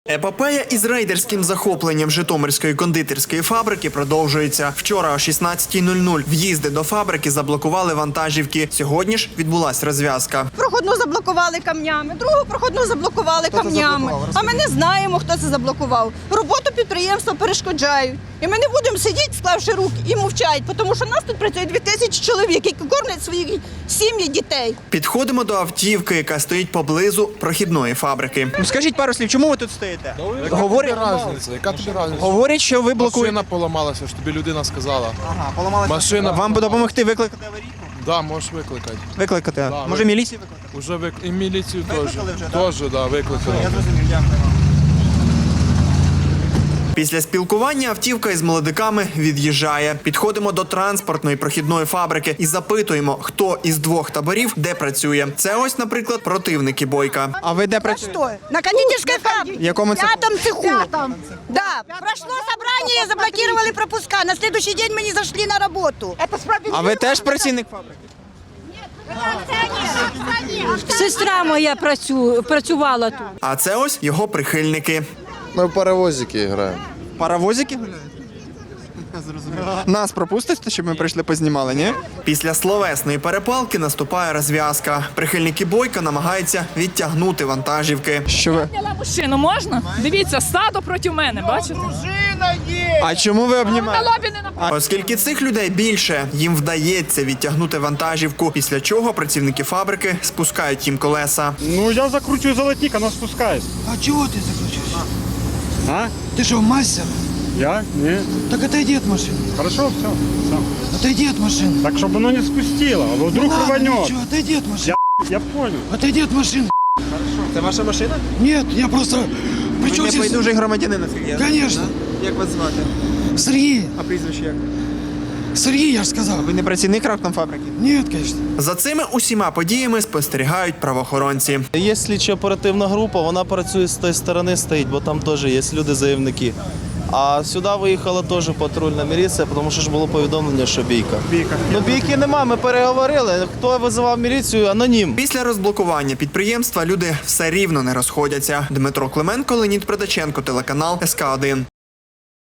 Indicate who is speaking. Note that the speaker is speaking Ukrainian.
Speaker 1: Епопея із рейдерським захопленням Житомирської кондитерської фабрики продовжується. Вчора о 16:00 в'їзди до фабрики заблокували вантажівки. Сьогодні ж відбулась розв'язка.
Speaker 2: Проходну заблокували камнями, другу проходну заблокували камнями. А ми не знаємо, хто це заблокував. Роботу підприємства перешкоджають. І ми не будемо сидіти, склавши руки і мовчати, тому що нас тут працює 2000 чоловік, які кормлять свої сім'ї, дітей.
Speaker 1: Підходимо до автівки, яка стоїть поблизу прохідної фабрики.
Speaker 3: Скажіть пару слів, чому ви тут стоїте?
Speaker 4: Яка тобі різниця?
Speaker 3: Говорять, що ви блокуєте.
Speaker 4: Машина поламалася, що тобі людина сказала.
Speaker 3: Ага, поламалася.
Speaker 4: Машина.
Speaker 3: Вам допомогти викликати аварійку?
Speaker 4: Да, можеш викликати.
Speaker 3: Викликати?
Speaker 4: Да,
Speaker 3: Може міліцію викликати?
Speaker 4: Уже і міліцію теж.
Speaker 3: Викликали вже, так?
Speaker 4: Теж, да, викликали.
Speaker 3: Я зрозумів, дякую.
Speaker 1: Після спілкування автівка із молодиками від'їжджає. Підходимо до транспортної прохідної фабрики і запитуємо, хто із двох таборів де працює. Це ось, наприклад, противники Бойка.
Speaker 3: А ви де працюєте?
Speaker 2: Что? На кондитерской фабрике.
Speaker 3: В якому цеху?
Speaker 2: В пятом цеху. Да. Прошло собрание, заблокировали пропуска. На следующий день мы не зашли на работу. Это справедливо.
Speaker 3: А ви теж працівник фабрики?
Speaker 5: Сестра моя працювала тут.
Speaker 1: А це ось його прихильники.
Speaker 6: Ми в паровозики граємо.
Speaker 3: Паровозики гуляють? Нас пропустите, щоб ми прийшли познімали, ні?
Speaker 1: Після словесної перепалки наступає розв'язка. Прихильники Бойка намагаються відтягнути вантажівки.
Speaker 3: Що ви?
Speaker 7: Машину можна? Дивіться, стадо проти мене, бачите?
Speaker 3: А чому ви обнімаєте?
Speaker 7: На лобі не нападає.
Speaker 1: Оскільки цих людей більше, їм вдається відтягнути вантажівку, після чого працівники фабрики спускають їм колеса.
Speaker 8: Ну, я закручиваю золотник, она спускает.
Speaker 9: А чего ты закручиваешь?
Speaker 8: А?
Speaker 9: Ты что, мастер?
Speaker 8: Я? Не.
Speaker 9: Так отойди от машины.
Speaker 8: Хорошо, все.
Speaker 9: Отойди от машины.
Speaker 8: Так, чтобы оно не спустило, а вдруг
Speaker 9: Ну ладно,
Speaker 8: рванет.
Speaker 9: ничего, отойди от машины.
Speaker 8: Я понял.
Speaker 9: Отойди от машины.
Speaker 3: Це ваша машина?
Speaker 9: Нет, я просто...
Speaker 3: Ви
Speaker 9: Причем
Speaker 3: не
Speaker 9: здесь...
Speaker 3: байдужий громадянин, наскільки я знаю.
Speaker 9: Конечно.
Speaker 3: Як вас звати?
Speaker 9: Сергей.
Speaker 3: А прізвище як?
Speaker 9: Сергей, я же сказал.
Speaker 3: Ви не працівник фабрики?
Speaker 9: Нет, конечно.
Speaker 1: За цими усіма подіями спостерігають правоохоронці.
Speaker 10: Є слідчо-оперативна група, вона працює з тієї сторони, стоїть, бо там теж є люди-заявники. А сюди виїхала теж патрульна міліція, тому що ж було повідомлення, що бійка. Ну бійки нема, ми переговорили. Хто визивав міліцію? Анонім.
Speaker 1: Після розблокування підприємства люди все рівно не розходяться. Дмитро Клименко, Леонід Придаченко, телеканал СК1.